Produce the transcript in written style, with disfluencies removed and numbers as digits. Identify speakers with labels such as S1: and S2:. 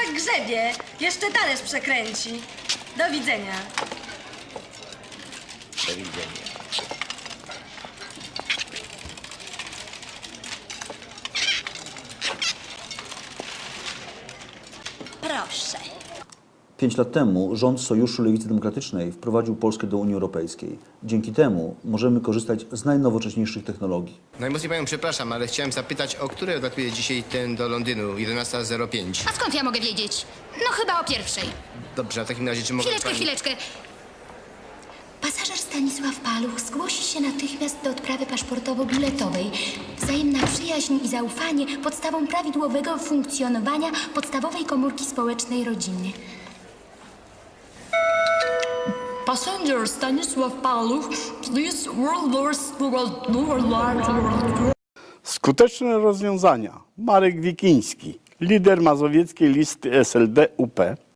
S1: tak grzebie. Jeszcze talerz przekręci. Do widzenia.
S2: Do widzenia.
S3: Proszę.
S4: 5 lat temu rząd Sojuszu Lewicy Demokratycznej wprowadził Polskę do Unii Europejskiej. Dzięki temu możemy korzystać z najnowocześniejszych technologii.
S2: Najmocniej panią przepraszam, ale chciałem zapytać, o której odlatuje dzisiaj ten do Londynu? 11:05.
S3: A skąd ja mogę wiedzieć? No chyba o pierwszej.
S2: Dobrze, a w takim razie czy mogę
S3: Chwileczkę. Pasażer Stanisław Paluch zgłosi się natychmiast do odprawy paszportowo-biletowej. Wzajemna przyjaźń i zaufanie podstawą prawidłowego funkcjonowania podstawowej komórki społecznej rodziny. Passenger Stanisław Paluch, please
S5: Skuteczne rozwiązania. Marek Wikiński, lider mazowieckiej listy SLD UP.